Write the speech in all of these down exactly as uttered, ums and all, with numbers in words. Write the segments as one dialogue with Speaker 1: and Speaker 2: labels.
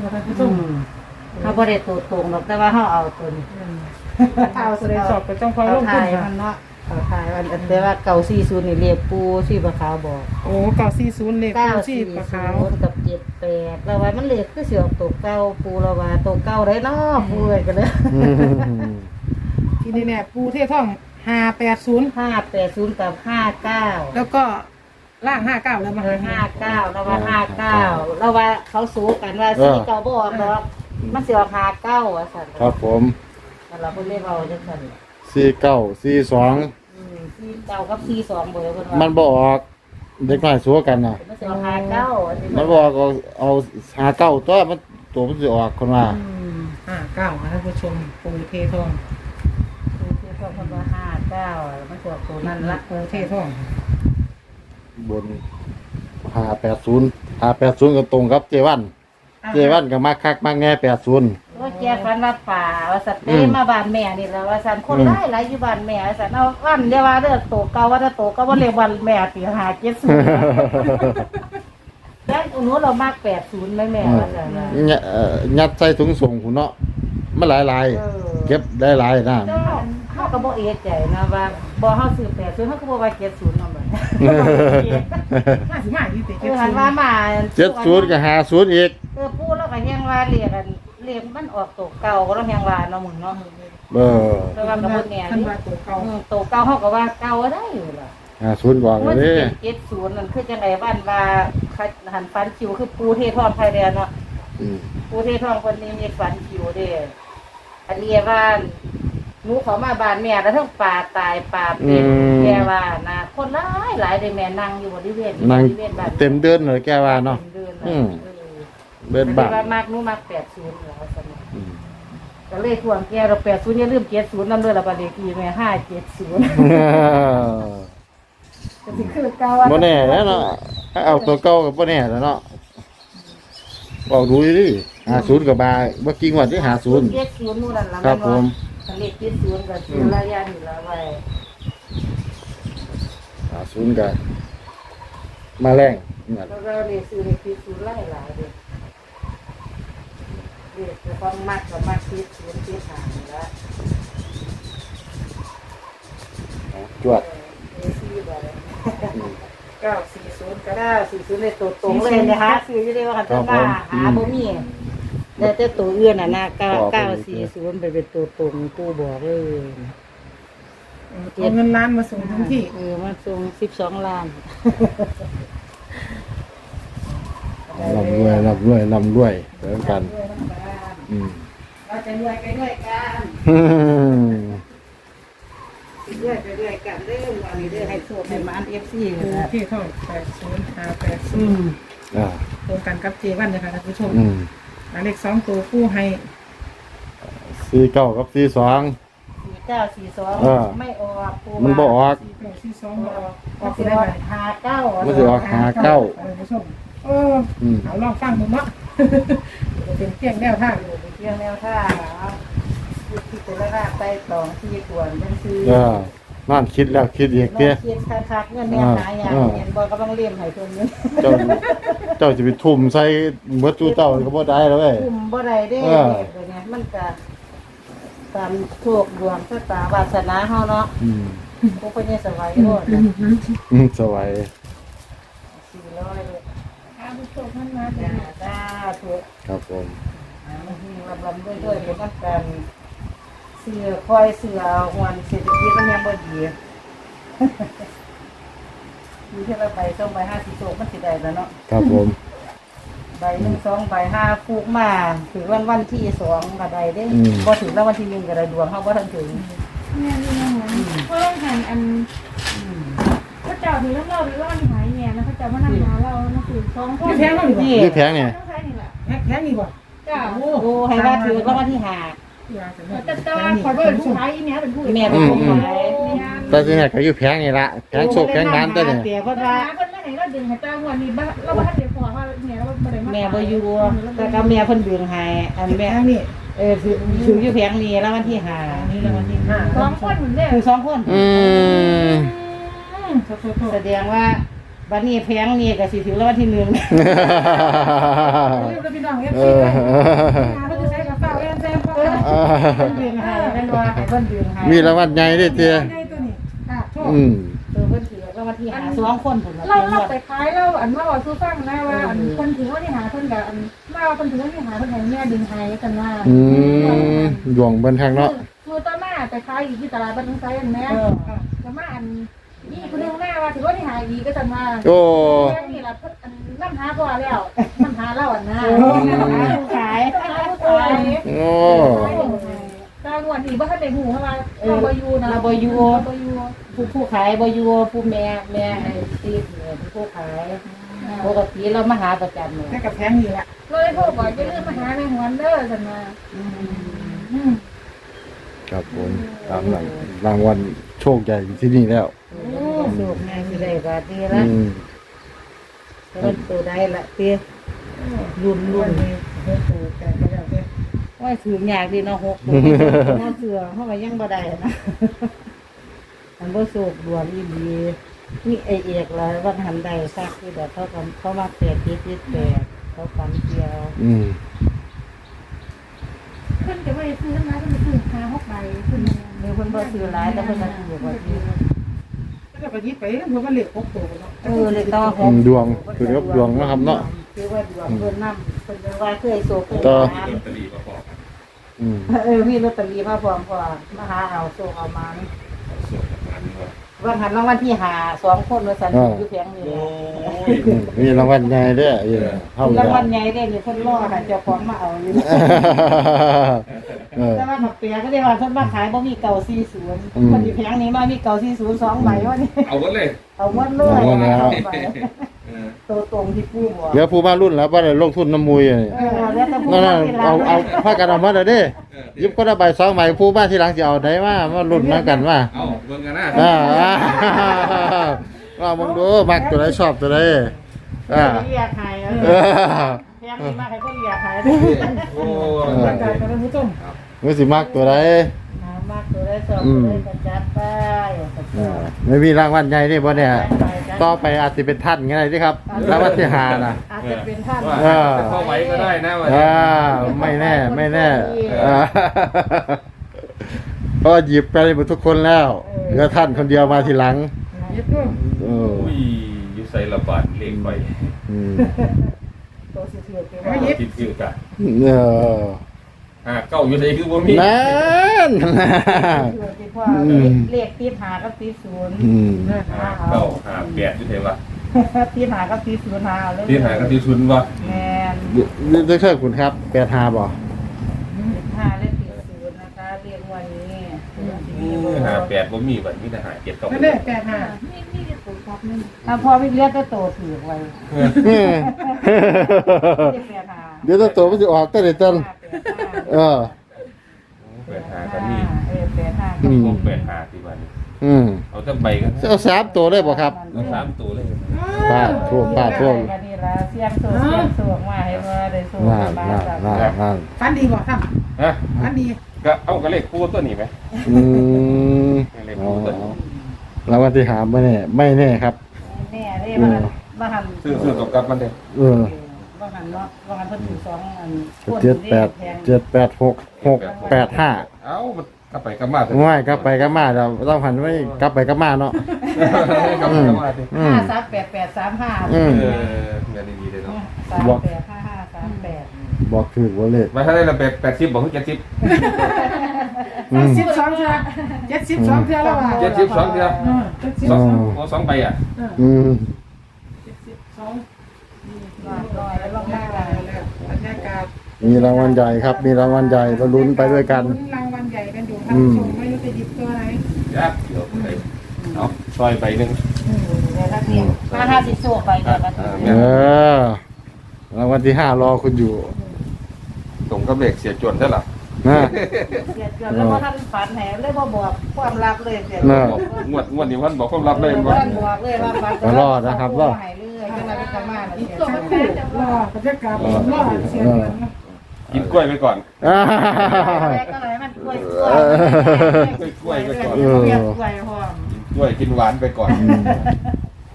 Speaker 1: ค่ะท่านผู้ชม
Speaker 2: เขาบ่ได้ตัวตรงหรอกแต่ว่าเขาเอาตัวนี้
Speaker 1: เอาแสดงสอบก็ต้องพอลงทุนค่ะ
Speaker 2: มันเนาะเขาทายมันแต่ว่าเก่าสี่ศูนย์นี่เรียกปูที่ปลาขาวบอก
Speaker 1: โอ้เก้าสี่ศูนย์เลข
Speaker 2: เก้า
Speaker 1: ที่
Speaker 2: สี่
Speaker 1: ปลา
Speaker 2: ศู
Speaker 1: ขาวน
Speaker 2: ย์กับเจ็ดแปดเราว่ามันเรียกคือเสียวตกเก้าปูเราว่าตกเก้าได้เนาะปูเอ้ยกันเลย
Speaker 1: ที่นี่เนี่ยปูเทท่องห้าแปดศูนย์
Speaker 2: ห้าแปดศูนย์กับห้าเก้า
Speaker 1: แล้วก็ล่างห้าเก้าแล้วมา
Speaker 2: ห้าเก้าเราว่าห้าเก้าเราว่าเขาสู้กันว่าสี่เก้าบ่ออกเนาะมันเสียวห้าเก้าอ่ะสัน
Speaker 3: ครับผม
Speaker 2: เราเพิ่นเรียกเราจังซั่น
Speaker 3: สี่เก้าสี่สอง
Speaker 2: อืมสี่เก้ากับสี่สองเบอร์เพิ่นว่า
Speaker 3: มันบ่ออกเด็กน้อยสัวกันน่ะ
Speaker 2: มันเสียวห้าเก้าอันนี้
Speaker 3: มันบอกเอาเอาหาเก้าตัวมันตัวมันสิออกคนว่า
Speaker 2: อืม
Speaker 1: ห้าเก้าค่ะท่านผู้ชมปูเทท่อง
Speaker 2: คือคือเพิ่นว่าห้าเก้ามันเสียวตัวนั้นละ
Speaker 1: ปูเทท่อง
Speaker 3: บนห้าแปดศูนย์ห้าแปดศูนย์ก็ตรงกับเจวันเจวันก็มาคักมาแง่แปดศูนย์
Speaker 2: ว่าแกฝันว่าป่าว่าสัตว์เต้
Speaker 3: อืม
Speaker 2: มาบ้านแม่นี่แหล้วว่าสันคน
Speaker 3: อืม
Speaker 2: หลายหลายอยู่บ้านแม่ว่าสันเอาอันเดียวว่าเด้อโตเก่าว่าถ้าโตก็บ่เรียกวันแม่สิหาเจ็ดศูนย์แล้วหนูเรามากแปดศูนย์ไหมแม่ว่าสันว่า
Speaker 3: เนี่ยเอ่อยัดใส่ถุงส่งหุ่นเนาะมันหลายลาย
Speaker 2: เออ
Speaker 3: เก็บได้หลายนะ
Speaker 2: เจ้าเฮาก็บ่เอะใจนะว่าบ่เฮาซื้อแปดศูนย์เฮาก็บ่ว่าเจ็ดศูนย์นำบัด
Speaker 1: ห้าสิบห้ายี่สิบ
Speaker 2: เอ
Speaker 1: เจ็ด
Speaker 2: อ
Speaker 1: ศู
Speaker 2: หัน
Speaker 1: นย์
Speaker 2: ว่ามา
Speaker 3: เจ็ดศูนย์กับห้าศูนย์อีก
Speaker 2: เออปู่เราก็ยังว่าเรียกกันเรียกมันออกโตเก่าก็เรายังว่าเนาะมึงเนาะ
Speaker 3: เออ
Speaker 2: แต่ว่าก็บ่แน่
Speaker 1: ท่าน
Speaker 2: นี่
Speaker 1: ว่าตัวเก่า
Speaker 2: อืมโตเก่าเฮาก็ว่าเก่าได้อยู่ล่ะ
Speaker 3: ห้าศูนย์บอก
Speaker 2: มัน
Speaker 3: เล
Speaker 2: สิ
Speaker 3: ย
Speaker 2: เป็นเจ็ดศูนย์นั่นคือจังไดบ้านว่าหันฟันคิวคือปูเททองไทยแลนด์เนาะ
Speaker 3: อืม
Speaker 2: ปูเททองคนนี้มีฟันคิวเด้อันนี้บ้านหนูเขามาบ้านแม่แล้วทั้งป่าตายป่าเป็นแกว่านะคนหลายหลายได้แม่นั่งอยู่บริเวณ
Speaker 3: นั่ง
Speaker 2: บริเวณบ้าน
Speaker 3: เต็มเดินเลยแกว่าเนาะ
Speaker 2: ต็มเดิน
Speaker 3: อืม
Speaker 2: เออ
Speaker 3: เดิน
Speaker 2: แต่
Speaker 3: บ้าน
Speaker 2: ว่ามากหนูมากแปดศูนย์เหรอสนุก
Speaker 3: อืม
Speaker 2: ก็เลยทวงแกเราแปดศูนย์อย่าลืมเจ็ดศูนย์นำด้วยละบัดเลขที่แม่ห้าเจ็ดศูนย์ก็สิคือเก่า
Speaker 3: บ่แน่แล้วเนาะเอาตัวเก่ากับบ่แน่แล้วเนาะบอกดูดิห้าศูนย์กับบาเมื่อกี้งวันที่ห้าศูนย์
Speaker 2: เจ็ดศูนย์นู่นนั่นละ
Speaker 3: ครับผม
Speaker 2: คันเลขเจ็ดศูนย์ก็คือระยะนี่ละไว้
Speaker 3: ห้าศูนย์กับมาแรงนั่น
Speaker 2: แล้วก็เลขซื้อเลขที่ศูนย์ไล่หลายเด้อเลขจะต้องมัดกับมัดที่ศูนย์ที่หานี่ละ
Speaker 3: จวด
Speaker 2: เออสี่ใบเก้าสี่ศูนย์ก็ได้สี่ศูนย์เลยตัวตรงเลยนะคะซื้ออยู่ได้ว่าคันจะมาหาบ่มีแต่แต่ตัวอื่นน่ะนะเก้าเก้าสี่ศูนย์ไปเป็นตัวตรงปู่บอกเลย
Speaker 1: เอาเงินล้านมาส่งทั้งที่
Speaker 2: เออมาส่งสิบสองล้าน
Speaker 3: ลำรวยลำรวยลำรวยเหมือนกัน อืม
Speaker 2: เราจะรวยไปด้วยกันรวยไปด้วยกันเรื่องวันนี้เรื่องให้โชคให้มาอันเอฟซี
Speaker 1: ปู
Speaker 2: นะ
Speaker 1: เทท่องแปดศูนย์ห้าแปดศู
Speaker 2: อื
Speaker 1: นย์
Speaker 2: ม
Speaker 3: อ่า
Speaker 1: ตรงกันกับเจวันเลยค่ะท่านผู้ชม
Speaker 3: อืม
Speaker 1: หมายเลขสองตัวผู้ให้
Speaker 3: สี่เก้ากับสี่สอง
Speaker 2: สี่เก้าสี่สอง
Speaker 3: เออ
Speaker 2: ไม่ออกปู
Speaker 3: มันบ่ออก
Speaker 1: สี่เก้าสี่สองบออกอ
Speaker 2: ก็
Speaker 1: อก
Speaker 2: สิ
Speaker 1: ได้
Speaker 2: ออ
Speaker 1: ไหม
Speaker 2: กหาเก้า
Speaker 3: มันสิออกหาเก้า
Speaker 1: ท่านผู้ชมเออ
Speaker 3: อืม
Speaker 1: เอาลองฟังดูเนาะ เป็นเพียงแนวทาง
Speaker 2: อยู่ในเพียงแนวท่างที่จะได้ราไปสองที่ขวนเป็นซื้อ
Speaker 3: เออนั่นคิดแล้วคิดอีก
Speaker 2: น้
Speaker 3: เตี้ย
Speaker 2: องเคียนคักๆเงินแม่หายอย่างเงินบอยก็ต้องเลี้ยงให้เพิ่นเงิน
Speaker 3: เจ้าเจ้าจะไปทุ่มใส่เมื่อตู้เต้าก็บ่ได้แล้วเว้ย
Speaker 2: คุมบ่ได้เด้
Speaker 3: เออ
Speaker 2: เด็กเนี่ยมันก็ตามโชคดวงชะตาวาสนาเฮาเนาะ
Speaker 3: อืม
Speaker 2: พวกเพิ่นเนี่ยสบายโลดนะ
Speaker 3: อืมสวย
Speaker 2: สี่ร้อยเลย
Speaker 1: ท่านผู้ชมท่านมา
Speaker 2: จ้าจ้าถูก
Speaker 3: ครับผม
Speaker 2: ลำลำด้วยด้วยเป็นนักการเสือคอยเสือหวนเศรษฐกิจมันยังบ่ดีมีแค่ละใบสองใบห้าสิบโชคมันสิได้แล้วเนาะ
Speaker 3: ครับผม
Speaker 2: ใบหนึ่งสองใบห้าฟูกมาถึงวันวันที่สองก็ได้เด้
Speaker 3: อืม
Speaker 2: พอถึงแล้ววันที่หนึ่งก็ได้ดวงเขาบ่ทันถึง
Speaker 4: แม่นี่นะเพราะเราหันอันพระเจ้าถือแล้วเราหรือว่ามันหายแง่นะพระเจ้ามานั่งหาเรานะคือสองคน
Speaker 1: แพงเท่าไหร่
Speaker 2: นี่
Speaker 3: นี่แพงเนี่ย
Speaker 4: ต้องใช้นี่แหละ
Speaker 1: แพงนี่บ่
Speaker 4: จ้า
Speaker 2: โอ้ให้ว่าถือแล้ววันที่ห้า
Speaker 4: แต่แต่ว่าขอเป็นผู้ขายอีเนี้ยเป็นผู้
Speaker 2: แม่เป็นคนขาย
Speaker 3: แต่ที่ไหนก็อยู่แพงนี่ละแพงโชคแพงน้ำตัวเนี่ย
Speaker 2: เสียเพ
Speaker 4: เพราะ
Speaker 2: ราะ
Speaker 4: ว่า
Speaker 2: ว่า
Speaker 4: คนไม่ไหนเราดึงให้จ้างวันนี้บ้าเราบ้านเดียวพอว่าเนี่ยเราไม่ได้มา
Speaker 2: แม่บ่อยู่แต่ก็แม่เพิ่นเบิ่งให้อัน
Speaker 1: แพ
Speaker 2: แม่
Speaker 1: งนี่
Speaker 2: เออถือถืออยู่แผงนี้แล้ววันที่ห้า
Speaker 1: นี่แล้ววันที่ห้า
Speaker 4: สองคนเหมือนเดิม
Speaker 2: คือสองคน
Speaker 3: อืม
Speaker 2: แสดงว่าบัดนี้แพงนี่ก็สิถือรางวัลที่หนึ่ง
Speaker 1: เรียกพี่น้องเอฟ
Speaker 3: เอ
Speaker 1: ซี
Speaker 3: อ
Speaker 1: เลยงานเขาจะใช้กระเป๋าแอนแซมพ่อค่ะ
Speaker 3: อ่า
Speaker 2: เพิ่นเดืองให้เพิ่นว่าให้เพิ่นเดืองให้
Speaker 3: มีรางวัลใหญ่ด้วยเตี้ย
Speaker 1: ใหญ่ตัวนี้ค่ะโชค
Speaker 3: อืม
Speaker 2: เออเพิ่นถือรางวัลที่หาสองคนพุ่นล่ะ
Speaker 4: เรา
Speaker 2: เพิ่น
Speaker 4: เรา
Speaker 2: ว่า
Speaker 4: ไปขายเราอันว่าบอกสู้ฟังนะว่าอันคนถือว่าที่หาคนกับอันเราคนถือว่าที่หาคนไหนแม่ดึงไห้กันว่า
Speaker 3: อืมดวงเบิ่นทางเนาะ
Speaker 4: คือตอนหน้าไปขายอยู่ที่ตลาดบ้านไซอันแม่
Speaker 2: เออ
Speaker 4: แต่มาอันนี่คนนึงหน้าว่าถือว่าที่หาดีก็จะมา
Speaker 3: โอ้
Speaker 4: แม่นี่ล่ะอันน้ำหาพอแล้วน้ำหาเล่าอันนะ
Speaker 2: ผู้ขาย
Speaker 4: น้ำหาผู้ขาย
Speaker 3: โอ้
Speaker 4: ตางวดนี้ว่าท่านได้หูเข้ามาเราบอยู่นะ
Speaker 2: เราบ่อยู่
Speaker 4: เราบอยู่
Speaker 2: ผู้ผู้ขายบ่อยู่ผู้แม่แม่ให้ตีเนี่ยผู้ขายปกติเรามาหาประจำเลย
Speaker 1: แค่กับแพงนี่แหละ
Speaker 4: เลยพวกบอกจะเรื่องมาหาในหัวเด้อสันมา
Speaker 3: ครับผมตามหลังรางวัลโชคใหญ่อยู่ที่นี่แล้ว
Speaker 2: โอ้สุกง่ายสิได้บาทดี
Speaker 3: อื
Speaker 2: ละ
Speaker 3: ม
Speaker 2: เพิ่นตัวได้ละเตี้ยรุ่นรุ่น
Speaker 1: โอ้โหแกก็แล้วเด้
Speaker 2: ว่าถือยากดีเนาะหกตัวเนาะเสือเฮาก็ยังบ่ได้นะมันบ่สุกดวนอีหลีนี่ไอเอกล่ะว่าหันได้ซักที่แบบเขาก็เขามาแปดจิตจิตแปดเขาฝันเกี่ยว
Speaker 3: อืม
Speaker 4: เพิ่นจะไปซื้อมาเพิ่นจะซื้อหาหกใบเพิ่น
Speaker 2: เดี๋ยวเพิ่นบ่ซื้อหลายแต่เพิ่นมาซื้อบ่ซื้อ
Speaker 1: ก็ไปยิบไปเพราะว่าเหล็กหกตัวเนาะ
Speaker 2: เออเลยต่อห
Speaker 3: อื
Speaker 2: ก
Speaker 3: มดวงคือกับดวงนะครับเนาะ
Speaker 2: คือว่าดวงเพิ่นนำเพิ่นจะว่าเคยโศกเคย
Speaker 3: ต่อ
Speaker 2: หา
Speaker 3: อืม
Speaker 2: เออมีลอตเตอรี่มาพร้อมพอมาหาเอาโศกเอามาว่าหันรางวัลที่หาสองคนว่าสันอยู่เพียงนี่แหละ
Speaker 3: อืมมีรางวัลใหญ่ด้วยเออเข้าไป
Speaker 2: ราง
Speaker 3: แล้ว
Speaker 2: วัลใหญ่เด้นี่เพิ่นรอให้เจ้าของมาเอาอยู่
Speaker 3: เออ
Speaker 2: แต่ว่าหมักเปียก็ได้ว่าเพิ่นมาขายบ่มีเก่าสี่สิบ
Speaker 3: อืม
Speaker 2: เพิ่นอยู่เพียงนี้มามีเก่าสี่สิบสองใบว่านี่
Speaker 5: เอาหมดเลย
Speaker 2: เอาหมดเลย
Speaker 3: เอาหมดแล้ว
Speaker 2: เอาไป
Speaker 5: เออ
Speaker 2: ตัวตรงที่ปู่บอก
Speaker 3: เหลือผู้มารุ่นแล้วบ่ได้ลงทุนน้ำมุยอะนี่
Speaker 2: เออแล้วแต่ผู้
Speaker 3: นั่น
Speaker 2: มา
Speaker 3: น่ะ
Speaker 2: ที่หลัง
Speaker 3: เอาเอาพากันเอามาเด้อเด้
Speaker 5: เออ
Speaker 3: ยิบก็ได้ใบสองใบผู้บ้านที่หลังสิเอาได้มามารุ่นมากันว่า
Speaker 5: เอาเบิ่งกันนะ
Speaker 3: อ่าว่ามึงดูมักตัวไหนชอบตัวไหนอ่า
Speaker 2: เรียกหาย
Speaker 3: เอ
Speaker 2: เออ
Speaker 3: อ
Speaker 2: เพียงนี้มาให้เพิ่นเรียกหาย
Speaker 5: โอ้
Speaker 3: เออ
Speaker 1: ร่างกายกันผู้ชม
Speaker 3: มึงสิมักตัวไหน
Speaker 2: หามากตัวได้สองตัวได้กระจัดไปกระ
Speaker 3: เอ
Speaker 2: จั
Speaker 3: อ
Speaker 2: ด
Speaker 3: ไม่มีรางวัลใหญ่นี่บ่เนี่ยต่อไปอาจสิเป็นท่านก็ได้ที่ครับรางวัลที่ห้าน่ะ
Speaker 2: อาจจะเป็นท่าน
Speaker 5: ว่า
Speaker 3: เออ
Speaker 5: จะเข้าไว้ก็ได้นะวัน
Speaker 3: อ่า
Speaker 5: นี้
Speaker 3: ไม่แน่ไม่แน่อ่าเพราะว่าหยิบไปหมดทุกคนแล้วเหลือท่านคนเดียวมาทีหลัง
Speaker 1: ยิบด้วย
Speaker 3: เออ
Speaker 5: อุ้ยอยู่ใส่ระบาดเลขไป
Speaker 3: อืม
Speaker 2: ตัวสิเถื่อนไป
Speaker 1: ไม่
Speaker 2: ว่า
Speaker 1: ยิบ
Speaker 5: ติดอยู่กะ
Speaker 3: เออ
Speaker 5: อ่าเก้าอยู่ใส่คือบ่มี
Speaker 3: นั่น
Speaker 2: เถื่อนที่พ่อเลขตีหากับตีศูนย์
Speaker 3: อืม
Speaker 5: ห้าเก้าห้าแปดอยู่ใส่วะ
Speaker 2: ตีหากับตีศูนย์หาเลย
Speaker 5: ที่หากันที่ชุนวะ
Speaker 2: แมน
Speaker 3: ดรคุณครับแปดหาบ่
Speaker 2: หาเลขตีศูนย์นะคะเรียกวันนี้
Speaker 5: อืมห้าแปดบ่มีบัดมีแต่ห้าเจ็ดเก้า
Speaker 1: นั่นแหละแปดห้า
Speaker 4: นี่นี่ตัวครับนี่
Speaker 2: ถ้าพ่อไม่เรียกก็โตถือไว้
Speaker 3: เออ
Speaker 2: เรียกแปดหา
Speaker 3: เดี๋ยวตัวโตมันจะออกตั้งแต่ต้นเออ
Speaker 5: แปดหากันมี
Speaker 2: เออแปดห้า
Speaker 3: อืม
Speaker 5: พวกแปดหาที่บัดนี้
Speaker 3: อืม
Speaker 5: เอาแต่ใบกัน
Speaker 3: จะเอาสามตัวได้บ่ครับ
Speaker 5: เอาสามตัวเลย
Speaker 3: ป้าทั่วป้าทั่ว
Speaker 2: กันนี่ละเสียงโศกเสียงโศกมาให้ว่าได้โศก
Speaker 3: นั่น
Speaker 2: มา
Speaker 3: นั่น
Speaker 2: จาก
Speaker 3: นั่นนั่น
Speaker 1: ฟันดีบ่ครับ
Speaker 5: ฮะ
Speaker 1: ฟันดี
Speaker 5: ก็เอากระเลขคู่ตัวนี้ไหม
Speaker 3: อืมอ๋อรางวัลที่หาไม่แน่ไม่แน่ครับ
Speaker 2: แน่เลยมาหันมาหัน
Speaker 5: ซื้อซื้อตกกับมันเด้
Speaker 3: เออ
Speaker 2: มาหันเนาะมาหันเพิ่นถือสองอัน
Speaker 3: เจ็ดแปดเจ็ดแปดหกหกแปดห้า
Speaker 5: เอ้ามันกลับไปกลับมา
Speaker 3: ง่ายกลับไปกลับมาเราต้องหันไว้กลับไปกลับมาเนาะ
Speaker 5: กลับไปกลับมาสิ
Speaker 3: อื
Speaker 2: ห้าม สามแปดแปดสามห้า
Speaker 3: อืม
Speaker 5: เออเงินดีๆเลยเนาะ
Speaker 2: สามแปดห้าห้าสามแปด
Speaker 3: บอกถือว่าเลข
Speaker 5: มาถ้าได้ละแปดแปดสิบบอกคือเจ็ดสิบ
Speaker 3: อืม
Speaker 1: สิบสองเทือเจ็ดสิบสองเทือแล้วว่ะ
Speaker 5: เจ็ดสิบสองเดียว
Speaker 1: เออเจ็ดสิบ
Speaker 5: ส
Speaker 1: ส
Speaker 5: อ
Speaker 1: อง ง
Speaker 5: โอ้สองใบอ่ะ
Speaker 3: อืม
Speaker 1: เจ็ดสิบสอง
Speaker 2: มาลอยแล้วลง
Speaker 1: บรร
Speaker 2: มาย
Speaker 1: ากาศบรรยากาศ
Speaker 3: มีรางวัลใหญ่ครับ มีรางวัลใหญ่เราลุ้นไปด้วยกัน
Speaker 1: รางวัลใหญ่กันอยู่ท่านผู้ชมไม่รู้จะหยิบตัวไหน
Speaker 5: ยักเดี๋ยวไปเอาซอยใบหนึ่ง
Speaker 2: เดี๋ยวถ้าเพียงมาห้าสิบโซ่ไปเดี๋ยวก็ถึง
Speaker 3: เออ รางวัลที่ห้ารอคุณอยู่
Speaker 5: ตรงกับเลขเสียจวนใช่หรอ
Speaker 3: นะ
Speaker 2: เสียเกือบแล้วว่าท่านฝันแหนเลยบ่บอกความลับเลยเสีย
Speaker 3: น่ะ
Speaker 5: งวดงวดนี้วันบอกความลับเลย
Speaker 2: บ่
Speaker 5: ว่า
Speaker 2: ท่านบอกเลยว่าฝัน
Speaker 3: ก็รอดนะครับรอด
Speaker 2: ให้เรื่อยจังได๋ก็มาแล้ว
Speaker 1: อีก
Speaker 2: เสีย
Speaker 1: ตัว
Speaker 2: เสีย
Speaker 1: แม่รอบรรยากาศรอเสียเงินนะ
Speaker 5: กินกล้วยไปก่อน
Speaker 3: อ่า
Speaker 2: ก็เลยมันกล้วย
Speaker 3: เออ
Speaker 2: กล้วยกล้วย
Speaker 3: เออ
Speaker 2: กล้วยพร้อม
Speaker 5: กินกล้วยกินหวานไปก่อน
Speaker 2: มีแต่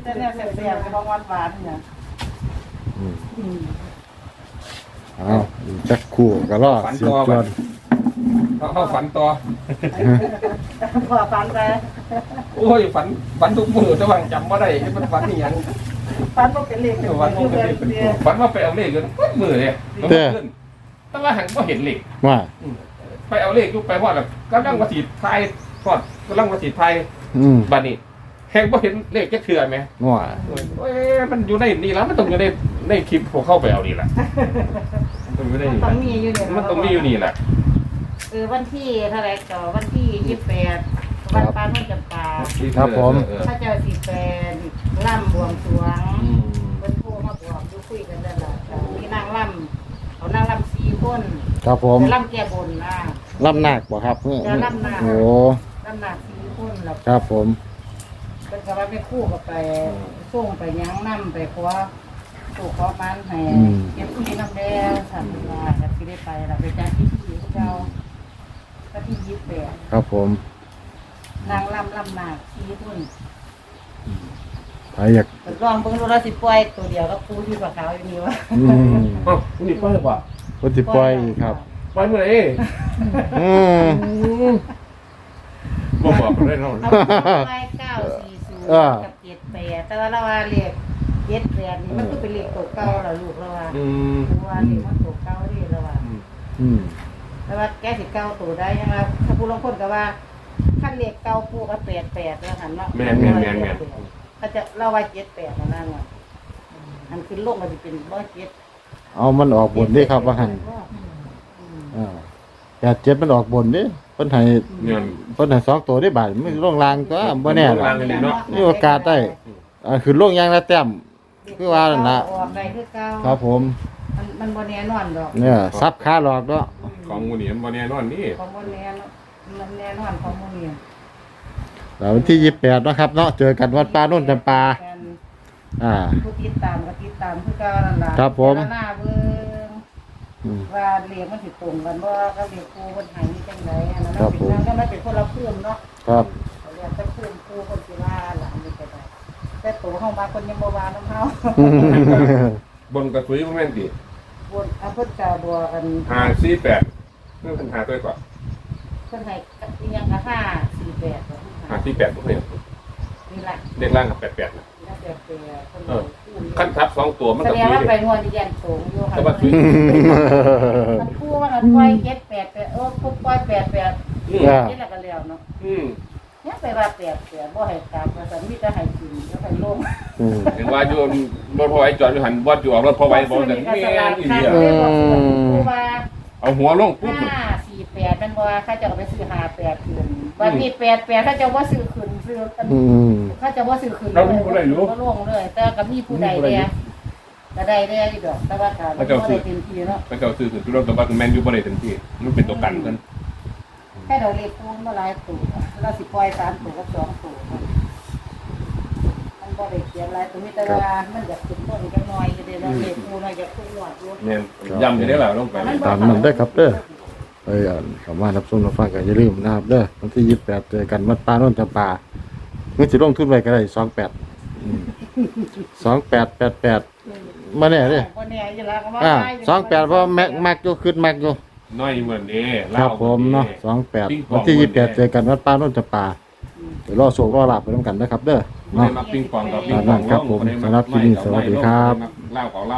Speaker 2: แต่เนี่ยแซ่บๆของหวานๆเนี่ย
Speaker 3: อืม
Speaker 2: อืม
Speaker 3: เอาอีกจักคู่ก็รอเสียจวน
Speaker 5: เขาเขาฝันต่อ
Speaker 2: พอฟันไป
Speaker 5: โอ้ยฝันฝันทุกมือแต่ว่าจำว่าได้มันฝันนี่ยัง
Speaker 2: ฟันบ่เป็นเลข
Speaker 5: ฝันว่าเป็นเลขฝันว่าไปเอาเลขกันมือเลยแล้วมันขึ้นแต่ว่าหันก็เห็นเลข
Speaker 3: ว่า
Speaker 5: ไปเอาเลขยุบไปว่าแบบกำลังมาสีไทยทอดกำลังมาสีไทย
Speaker 3: อืม
Speaker 5: บัดนี้แหงบ่เห็นเลขจะเถื่อไหม
Speaker 3: ว่า
Speaker 5: เอ้ยมันอยู่ในนี่แล้วมันต้องอยู่ในในคลิปพวกเข้าไปเอานี่แหละมันอยู่ใน
Speaker 2: มัน
Speaker 5: นี่
Speaker 2: ต้องมีอยู่เนี่ย
Speaker 5: มันต้องมีอยู่นี่แหละ
Speaker 2: เออวันที่เท่าไหร่ก็วันที่ยี่สิบแปดวันปานนจำปา
Speaker 3: ครับผม
Speaker 5: เออ
Speaker 2: พระเจ้าสีแปดล่ำบวงสรวง
Speaker 5: อืม
Speaker 2: เพิ่นโทรมาบอกอยู่คุยกันนั่นล่ะแต่มีนางล่ำเขานางล่ำสี่คน
Speaker 3: ครับผม
Speaker 2: แต่ล่ำแก้บนนะ
Speaker 3: ลำหนักบ่ครับ
Speaker 2: จะลำหนัก
Speaker 3: โอ้
Speaker 2: ล่ำหนักสี่คนแล้ว
Speaker 3: ครับผม
Speaker 2: เป็นกระว่าไปคู่กับไปส่งไปยั้งน้ำไปขอสู่ขอมันให้เก็บที่น้ำแดงสัตว์มาจะที่ได้ไปเราไปจ้างที่ที่เจ้าก็ที่ยี่สิบแปด
Speaker 3: ครับผม
Speaker 2: นางล่ำล่ำหนักสี่คน
Speaker 3: ใครอยาก
Speaker 2: ลองเบิ่งดูแล้วสิปล่อยตัวเดียวก็คู่ที่ปลาขาวอยู่นี่วะ
Speaker 3: อืม
Speaker 5: เอ้านี่ปล่อยหรือเปล่า
Speaker 3: พุทธิปล่อยอีกครับ
Speaker 5: ปล่อยเมื่อไหร่
Speaker 3: อืม
Speaker 5: บ่บอกได้เนาะ
Speaker 2: เอาไปเก้าสี่ศูนย์
Speaker 3: เออ
Speaker 2: กับเจ็ดแปดแต่ว่าเราว่าเลขเจ็ดแปดนี่มันก็เป็นเลขตัวเก่าแล้วลูกเราว่า
Speaker 5: อืม
Speaker 2: เพราะว่าเลขมันตัวเก่าดีแล้วว่า
Speaker 3: อืม
Speaker 2: แต่ว่าแกสิเก่าตัวได้ยังไงถ้าผู้ลางคนก็ว่าขั้นเลขเก่าผู้ก็แปดแปดแล้วหันเนาะ
Speaker 5: แม่นแม่นแม่นแม่น
Speaker 2: เขาจะเล่าว่าเจ็ดแปดนั่นนั่นว่ะอันขึ้นลงมันจะเป็นร้อยเจ็ด
Speaker 3: เอามันออกบนดิครับว่าหัน
Speaker 2: อืม
Speaker 3: อ่าแปดเจ็ดมันออกบนดิเพิ่นให้
Speaker 5: เงิน
Speaker 3: เพิ่นให้สองตัวได้บาทมันลงลางก็บ่แน่หรอก
Speaker 5: ลางกันนี่เนาะ
Speaker 3: มีโอกาสได้ อ่าคือลงอย่างละแต้ม คือว่านั่นล่ะ
Speaker 2: ออกได้คือเก่า
Speaker 3: ครับผม
Speaker 2: มันมันบ่แน่นอนดอก
Speaker 3: เนี่ยซับขาหลอกเนาะ
Speaker 5: ของมูนี่มันบ่แน่นอนนี่
Speaker 2: ของบ่แน่นอนมันแน่นอนของบ่นี่
Speaker 3: แล้ววันที่ยี่สิบแปดเนาะครับเนาะเจอกันวัดป่าโน่นจำปา อ่า
Speaker 2: ผู้ติดตามก็ติดตามคือเก่านั่นล่ะ
Speaker 3: ครับผม
Speaker 2: แต่ละหน้าเบิ่ง
Speaker 3: อืม
Speaker 2: ว่าเลขมันสิตรงกันบ่ก็เลขครูเพิ่นให้นี่จังไดอันนั้น
Speaker 3: ครับ
Speaker 2: เป็น
Speaker 3: ผม
Speaker 2: ทางก็มันเป็นคนละภูมิเนาะ
Speaker 3: ครับ
Speaker 2: เขาเรียกแต่ภูมิครูเพิ่นสิว่าหลังนี่ก็ได้แต่ตัวเฮามาคนยังบ่ว่านํเฮา
Speaker 5: บนกระสุยบ่แม่นติ
Speaker 2: บนอำเภอตาบัวกัน
Speaker 5: ห้าสี่แปดเรื่องปัญหาตัวก่อน
Speaker 2: เพิ่นให้อีหยังก็ห้าสี่แปด
Speaker 5: ห้าสี่แปดบ่เคย
Speaker 2: นี่ล่ะ
Speaker 5: เลขล่างกับแปดแปดนะ
Speaker 2: นี่ล่ะแต่เพิ่น
Speaker 5: เออ ขั้นทับสองตัวมัน
Speaker 2: แส
Speaker 5: ก็
Speaker 2: ดง
Speaker 5: คุย
Speaker 2: ว่า
Speaker 5: เล
Speaker 2: ไป
Speaker 5: ย
Speaker 2: งวดที่ยันสูงอยู่ค่ะ
Speaker 5: แต่ว่าคุย
Speaker 2: มันคู่มันก็ปล่อยเจ็ดแปดแปดเออปุ๊บปล่อยแปดแปด
Speaker 5: อืม
Speaker 3: อ่า
Speaker 2: เจ็ดแล้วก็แล้วเนาะ
Speaker 5: อืม
Speaker 2: เนี่ยไปว่าแปดแปดบ่ให้กลับว่าซั่นมีแต่ให้กินแล้วให้ลง
Speaker 3: อืม
Speaker 5: เห็นว่าอยู่รถพอไว้จอดอยู่หันบ่อยู่ออกรถพอไว้บ่แต่แม่นอีหลีอะ
Speaker 2: ผู้ว่า
Speaker 5: เอาหัวลงปุ๊บ
Speaker 2: ห้าสี่แปดมันว่าเขาจะเอาไปซื้อห้าแปดคืนวันนี้แปดแปดเขาจะว่าซื้อคืนซื้ออัน
Speaker 3: อืม
Speaker 2: เขาจะว่าซื้อคืน
Speaker 5: เรารู้บ่ได้รู้
Speaker 2: ก็ลงเลย แต่ก็มีผู้ใดแน่ก็ได้แน่อยู่ดอกแต่ว่าการบ่ได้เต็มที่เนาะ
Speaker 5: พระเจ้าซื้อสุดรถแต่ว่าแม่นอยู่บ่ได้เต็มที่มันเป็นตัวกันกัน
Speaker 2: แค่เราเล็กคูณมาหลายตัวเราสิปล่อยสามตัวกับสองตัวมันบ่ได้เขียนหลายตัวมีแต่ว่ามันอยากขึ้นต้นจักหน่อยอยู่เด้เราเล็กคูณเราอยากขึ้นหนวดอยู่
Speaker 5: แม่นย้ำอยู่ได้ล่ะลงไป
Speaker 3: ตามนั้นได้อครับเด้อเอ้ยอ่านคำว่ารับชมรับฟังกันอย่าลืมนะครับเด้อวันที่ยี่สิบแปดเจอกันวัดป่าโน่นจำปาเมื่อสิลงทุนไว้ก็ได้สองแปดสองแปดแปดแปดมาแน่เด้อ
Speaker 2: บ่แน่อยู่แล้วก็ว่า
Speaker 3: อ่า
Speaker 2: ได้ยู่
Speaker 3: สองแปดเพราะแม็กมักอยู่ขึ้นมักอยู่
Speaker 5: น้อยเหมือนเด้
Speaker 3: ครับผมเนาะสองแปดวันที่ยี่สิบแปดเจอกันวัดป่าโน่นจำปาเดี๋ยวรอโศกรอหลับไปด้วยกันนะครับเด้อ
Speaker 5: เนาะ
Speaker 3: เนาะ
Speaker 5: มาปิงปองกับปิงปอง
Speaker 3: ครับผมสำหรับคลิปนี้สวัสดีครับ
Speaker 5: เล่าของเรา